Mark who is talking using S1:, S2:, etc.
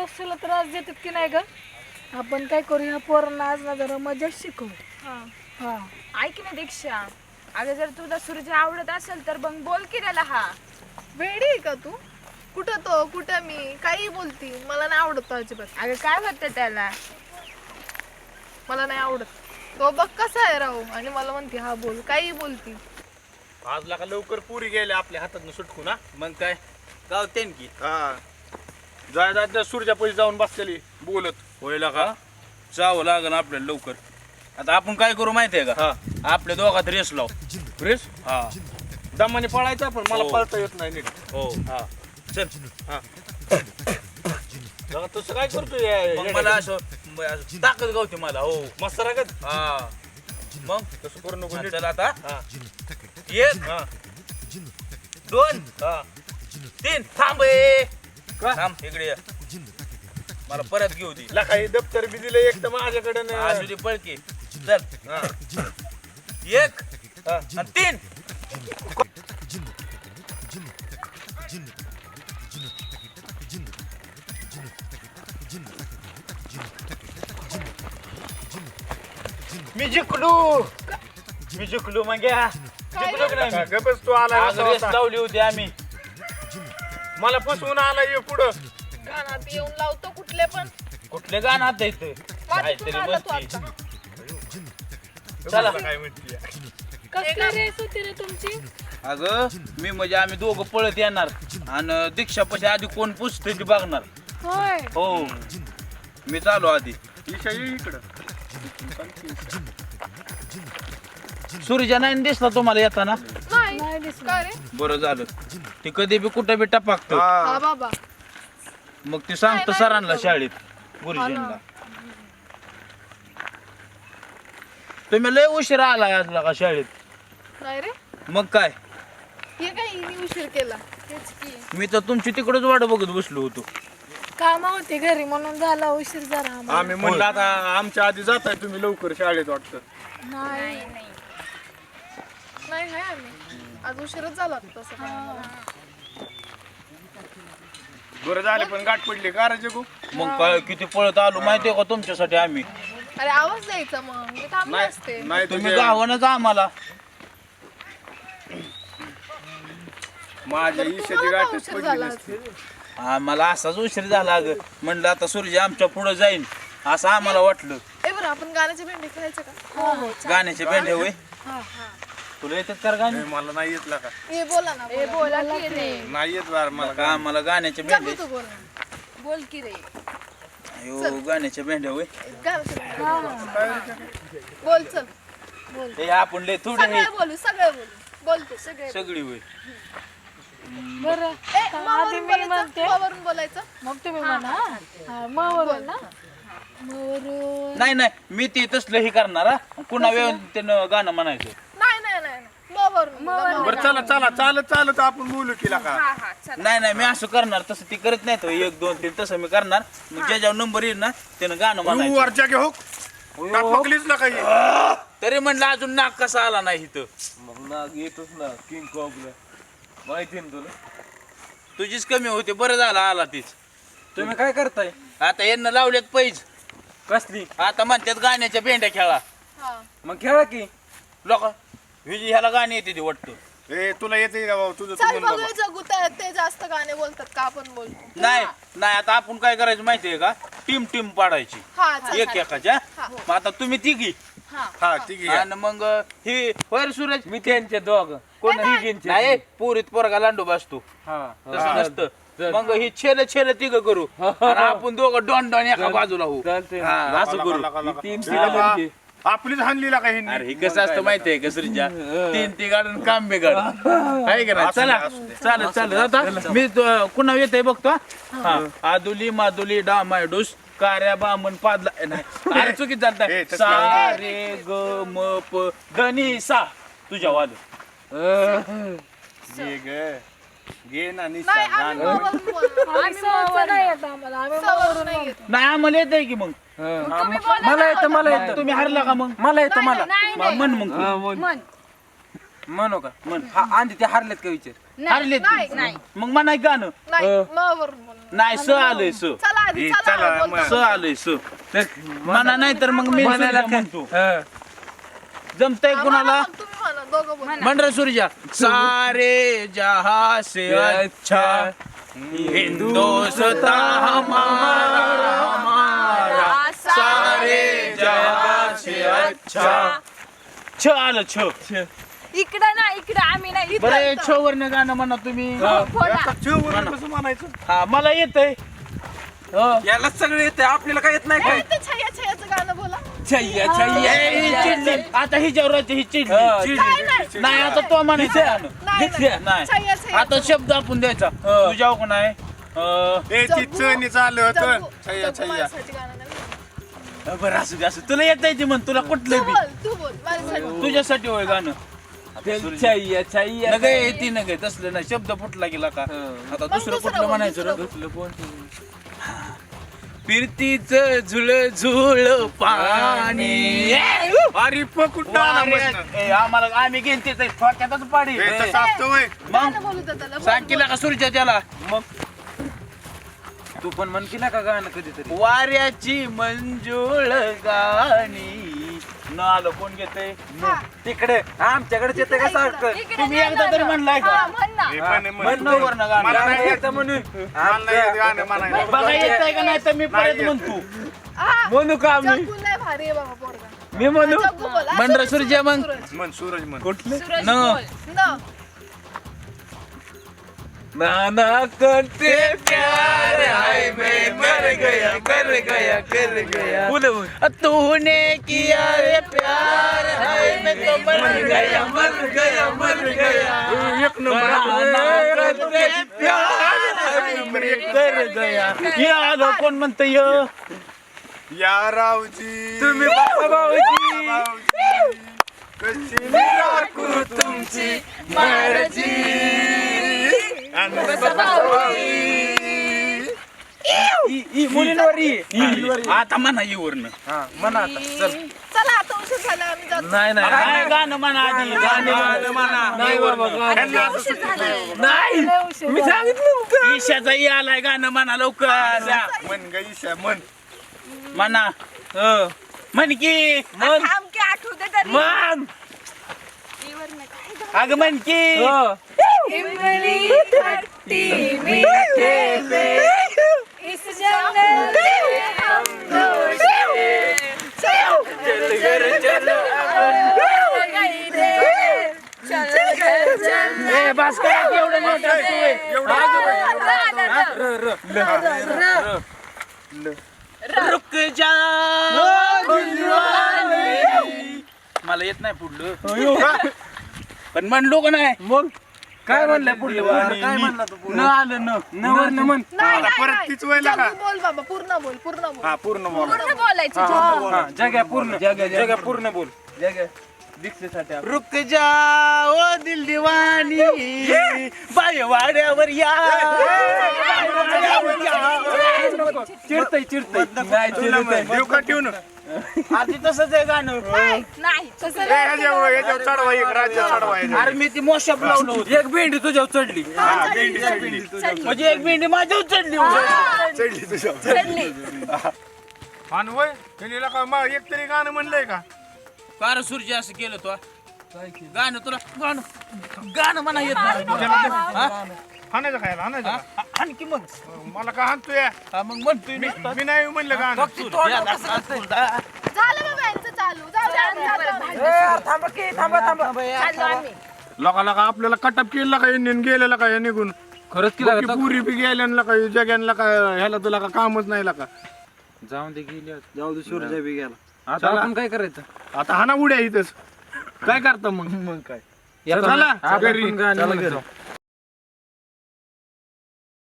S1: रस्त्याला त्रास देतात की नाही ग. आपण काय करू, ह्या पोरांना आज ना जरा मजा शिकवू. हा
S2: ऐक ना दीक्षा, अगं जर तुला सूर्य आवडत असेल तर मग बोल की त्याला. हा
S3: वेडी आहे का तू? कुठं तो कुठं मी काही बोलती, मला नाही आवडत तो अजिबात.
S2: अगं काय होतं त्याला?
S3: मला नाही आवडत तो. बघ कसा आहे राहू, आणि मला म्हणते हा बोल, काही बोलती.
S4: आज लाका लवकर पुरी गेल्या आपल्या हातात सुटकू ना.
S5: मग काय गावतेन की
S4: हा जाय सूर्या पैसे जाऊन बसलेली बोलत
S5: होईल का जावं लागेल आपल्याला लवकर. आता आपण काय करू माहितीये का, आपल्या दोघात रेस लाव.
S4: रेस
S5: हा
S4: दमाने पळायचा, पण मला
S5: हो.
S4: पळता येत नाही नीट.
S5: हो
S4: हा
S5: चल.
S4: हा जरा तसं काय
S5: मग
S4: करतोय
S5: मला असं ताकद गावते मला. हो
S4: मस्त रागत.
S5: हा मग
S4: तसं करू नको
S5: हा,
S4: नीट.
S5: चल आता
S4: हा
S5: 1
S4: हा
S5: 2
S4: हा
S5: 3 थांब ए.
S4: का?
S5: थांब इकडे ये. मला परत घेऊ दे.
S4: लका हे दप्तर बी दिलं एक तर माझ्याकडे
S5: असू दे पळकी. चल 1 आणि 3.
S4: मी जिंकलो मग या. जिंकलो की नाही? गपच तू आला
S5: आज रेस लावली होती आम्ही.
S4: मला फसवून आला ये पुढं.
S3: कानात येऊन लावतो कुठले पण.
S5: कुठले गाणं आता इथं काहीतरी
S3: आला तू
S5: मस्ती.
S3: आता.
S5: चला.
S4: काय म्हणते
S1: कसली रेस होती रे तुमची?
S5: अगं मी म्हणजे आम्ही दोघं पळत येणार आणि दीक्षा पशी आधी कोण पुसते ती बघणार.
S1: होय
S5: हो मी चालू आधी.
S4: ईशा ये इकडं.
S5: सूर्या नाही दिसला तुम्हाला येताना?
S3: नाही
S1: नाही दिसलं.
S3: का रे?
S5: बरं झालं. ती कधी बी कुठं बी टपाकत.
S3: हा बाबा.
S5: मग ती सांगतं
S3: नाही,
S5: सरांना
S3: नाही.
S5: शाळेत गुरुजींना. तुम्ही लय उशीर आला आज का शाळेत.
S3: नाही रे,
S5: मग काय
S3: हे काय हिने उशीर केला.
S2: तेच की.
S5: मी तर तुमची तिकडच वाट बघत बसलो होतो.
S1: काम होती घरी म्हणून झाला उशीर जरा आम्हाला.
S4: आम्ही म्हणलं आता आमच्या आधी जाताय तुम्ही लवकर शाळेत वाटतं.
S1: नाही
S3: नाही आहे आम्ही आज उशीरच झाला होता तसं काय.
S4: बरं झाले पण गाठ पडली का रे जगू.
S5: मग काय किती पळत आलो माहितीये का तुमच्यासाठी आम्ही.
S3: अरे आवाज द्यायचा मग, मी थांबले असते.
S4: नाही
S5: तुम्ही
S4: तुझ्या
S5: गावानच आम्हाला.
S4: माझ्या
S3: बरं,
S4: ईशाची
S3: तुम्हाला का
S4: गाठच
S3: उशीर
S4: पडली
S3: झाला
S4: नसती.
S5: आम्हाला असाच उशीर झाला अगं. म्हणलं आता सूर्य आमच्या पुढे जाईन असं आम्हाला वाटलं.
S3: ए बरं, आपण गाण्याचे भेंडे खेळायचं का?
S5: गाण्याचे बेंडे होय. तुला येतात का गाणे?
S4: ए, मला नाही येत का.
S3: ए बोला ना,
S2: ए बोला की रे.
S4: नाही येत बार मला
S5: का आम्हाला गाण्याचे
S3: जगू
S5: बेंडे.
S3: तू बोल ना.
S2: बोल की रे.
S5: अयो गाण्याचे बेंडे होय.
S3: गाण्याचे भेंडे. बोल चल.
S5: हे आपण लय थोडे
S3: सगळे बोलू, सगळे बोलू. बोलते सगळे.
S5: सगळी होय.
S1: बरं
S3: ए
S1: आधी
S3: मावरून
S1: मी
S3: बोलायचं,
S1: म्हणते
S3: मावरून बोलायचं.
S1: मग तुम्ही म्हणा. हा मवरून ना मवरून.
S5: नाही नाही मी ते तसलं हे करणार हा. पुन्हा त्यानं गाणं म्हणायचं.
S3: नाही नाही नाही नाही. मावरून बोला, मावरून.
S4: बरं चला चला चालत चालत आपण बोलू की का.
S2: हा हा चल.
S5: नाही नाही मी असं करणार. तसं ती करत नाही तो 1 2 3 तसं मी करणार. मग ज्याच्यावर नंबर येईल ना त्यानं गाणं म्हणायचं.
S4: वरच्या घे हो पकलीच ना काही.
S5: तरी म्हणलं अजून नाक कसा आला नाही इथं.
S6: मग नाग येतोच ना किंग कॉकला माहिती ना तुला.
S5: तुझीच कमी होती. बरं झालं आला तीच.
S6: तुम्ही काय करताय?
S5: आता यांना लावलेत पैज.
S6: कसली?
S5: आता म्हणतात गाण्याच्या भेंड्या खेळा.
S3: हा.
S6: मग खेळा की.
S5: लोक ह्याला गाणी येते ती वाटतं.
S4: ए तुला येते का बाबा तुझं तू
S3: चल
S4: म्हण बाबा.
S3: बघूया जगू, ते जास्त गाणे बोलतात का आपण बोलतो.
S5: नाही नाही आता आपण काय करायचं माहितीये का, टीम टीम पाडायची
S3: हा चल.
S5: एक एकाच्या.
S3: हा.
S5: मग आता तुम्ही तिघी
S4: हा ठीक आहे.
S5: आणि मग ही वर सूरज
S6: मी त्यांचे दोघ कोण हिगींचे.
S5: नाही पोरीत पोरगा लांडू बसतो
S6: हा
S5: तसं नसतं. मग ही छेल छेल तिघ करू आणि आपण दोघं डॉन डॉन एका बाजूला होऊ.
S6: चालतंय.
S5: हा, असं
S4: लका,
S5: करू.
S4: लका, लका.
S6: तीन
S4: हे बाबा,
S6: सिलेंडरची.
S4: आपलीच हाणलीला का हिंदी.
S5: अरे हे कसं असतं माहितीये का श्रीजा, 3 ती गाडून काम बिघड आहे का नाही.
S4: असू दे,
S5: चला
S4: असू दे.
S5: चालेल चालेल. आता मी कुणा येते बघतो. हा आदुली मादुली डामाडूस कार्या बामण पादला नाही अरे चुकीत
S4: ए,
S5: चालतंय.
S4: तसं
S5: सा रे ग म प धनी सा तुझ्या वाद.
S4: घे ग. घे ना
S3: नाही
S4: निशा
S3: आम्ही मावरून बोलणार.
S1: आम्ही सवय नाही येत आम्हाला. आम्ही
S3: सवरून नाही येत.
S5: नाही आम्हाला येत की मग.
S6: मला येतं मला येतं.
S5: तुम्ही हरला का मग.
S6: मला येतं मला.
S5: म्हण मग तू.
S1: म्हण.
S6: म्हणू का? हा आधी ते हारलेत का विचार.
S5: हरले
S3: नाही नाही
S5: मग म्हणा गाणं.
S3: नाही मावरून बोलणार.
S5: नाही स आलंय स
S3: चला आधी
S4: ए,
S3: चला
S4: चला,
S3: बोलतो.
S5: स आलंय स म्हणा नाही तर मग मी सूर्या म्हणतो जमतंय कुणाला
S3: मग तुम्ही म्हणा दोघं बोला.
S5: मंडळ सूर्या सारे जहा से अच्छा हिंदुस्ता हमारा सारे जहा से अच्छा छ आलं छ
S2: इकडं ना इकडं आम्ही नाही
S5: बरं
S2: इथं
S5: छ वरनं गाणं म्हणा तुम्ही
S2: बोला.
S4: कसं म्हणायचं
S5: हा मला येतंय
S6: याला सगळं येते आपल्याला काय येत नाही
S3: ए, ते छाया छायाचं गाणं बोला.
S5: चिडली आता ही जेवराची ही चिडली
S3: नाही.
S5: नाही आता तो म्हणायचं
S3: नाही, नाही.
S5: नाही
S3: छाया छाया
S5: आता शब्द आपण द्यायचा तुझ्या कोण आहे
S4: ए ती चणी चालू होतं
S3: जग्गू-
S4: छय्या
S3: जग्गू
S4: छय्या
S3: माझ्यासाठी गाणं नाही.
S5: बरं असू दे असं तुला येत आहे म्हण तुला कुठलं
S3: तू
S5: बी
S3: बोल तू बोल माझ्यासाठी.
S5: तुझ्यासाठी होय गाणं नगे येते नगे तसलं नाही शब्द फुटला गेला का आता दुसरं
S3: दुसरं
S5: कुठलं
S3: बोल,
S5: म्हणायचं
S3: दुसरं
S5: फिरतीच झुळ झुळ पाणी
S4: अरे कुठं आला मस्त.
S5: आम्हाला आम्ही घेईन तेच थोडक्यातच पाडी
S4: ए, तसं असतं होय.
S3: गाणं बोलू दे त्याला. बोल,
S5: सांग केला का सूर्या त्याला
S6: मग तू पण म्हण केला का गाणं कधीतरी
S5: वाऱ्याची मंजुळ गाणी न आलं कोण घेते
S3: हा.
S6: तिकडे आमच्याकडे येते का सारखं
S2: इकडे
S5: तुम्ही
S2: नाही
S5: एकदा तरी
S2: गाणं.
S5: म्हणलाय का?
S2: हा, म्हण ना.
S4: हे पण आहे,
S6: म्हण
S4: म्हण.
S5: वरनं गाणं.
S4: मला नाही येत
S6: म्हणून
S4: मला नाही येत गाणं म्हणायला.
S5: बघा येत का नाही तर मी परत
S4: नाही येत.
S5: म्हणतो
S3: हा.
S6: म्हणू का आम्ही
S3: जग्गू लय भारी आहे बाबा पोरगा.
S6: मी म्हणू
S3: जग्गू बोल. हा,
S5: मंडळ
S3: सूरज,
S5: सूर्य मग.
S3: सूरज.
S4: म्हण सूरज म्हण
S2: सूरज
S5: न.
S2: बोल.
S3: न.
S6: नाना करते प्यार हाय मैं मर गया कर गया बोले
S5: तूने किया रे प्यार है मैं तो मर गया
S4: एक नंबर
S5: करते प्यार है मैं कर गया ये आलो कोण म्हणतं य
S4: या रावजी
S6: तुम्ही बाबा भाऊजी
S4: भाऊजी, कशी राखू तुमची मर्जी आणि
S5: मुलींवर आता म्हणा ये वरनं
S6: हा म्हणा आता चल
S3: चला आता उशीर झाला आम्ही जातो.
S6: नाही नाही
S5: काय गाणं म्हणा आधी गाणं म्हणा
S6: नाही बाबा गाणं.
S2: उशीर झालाय.
S6: नाही मी सांगितलं
S5: ईशाचा ये आलाय गाणं म्हणा लवकर
S4: म्हण ग ईशा म्हण
S5: म्हणा म्हण की
S2: थांब की आठवू दे तरी.
S6: मग
S2: इवर नाही. काय गं?
S5: अग म्हण की
S2: इमली खट्टी मीठे पे इस जंगल में हम दो शेर चल घर चलो गई रे चल घर चल
S5: ए बस करा की एवढं नोट असतोय रुक जा दिलवाले. मला येत नाही पुढलं पण म्हणलो का नाही
S6: मग काय म्हणलं पुढलं काय म्हणला तू
S5: न आलं न
S6: म्हण
S3: नाही,
S4: आता
S3: नाही,
S4: परत
S3: नाही.
S4: तीच वेळेला का?
S3: जग्गू बोल बाबा पूर्ण बोल पूर्ण बोल.
S4: हा पूर्ण बोल
S2: पूर्ण बोलायचं
S6: जग्या पूर्ण जग्या पूर्ण बोल दीक्षेसाठी
S5: रुक जा ओ दिल दिवानी बायवाड्यावर या बायवाड्यावर या.
S6: चिडतय नाही
S4: तुला म्हण, देऊ का ठेवून
S5: आधी तसंच आहे गाणं
S2: नाही तसं
S4: ए, ह्याच्यावर चढवा एक राज्य चढवा ह्याच्यावर.
S5: अरे मी ती मोशप लावलं होतं
S6: एक भेंडी तुझ्यावर चढली
S4: हा, भेंडी चढली
S5: म्हणजे एक भेंडी माझ्यावर चढली होती.
S4: चढली तुझ्या
S2: चढली.
S4: आणि वय त्यांनी का मग एक तरी गाणं म्हणलंय का
S5: कार सूर्य असं केलं तो गाणं तुला गाणं म्हणा येत नाही
S4: हाणायचं खायला हाणायचं का?
S5: आणखी मग
S4: मला का हाणतोय
S5: हा, मग म्हणतोय मी
S4: मी नाही म्हणलं गाणं
S3: झालं बाबा यांचं चालू. जाऊ दे, आम्ही जातो.
S2: चाललो आम्ही.
S4: लोकांना का आपल्याला कटअप केला का यांनी गेलेला का या निघून
S6: खरंच
S4: बाकी पुरी बी गेल्याला का जग्यांना का ह्याला तुला का कामच नाही का
S6: जाऊन दे गेले जाऊ दे सूर्य बी गेला आता आपण काय करायचं
S4: आता हाना उड्या इथंच काय करता मग
S6: काय
S4: चला घरी
S6: आपण गाणं म्हणतो.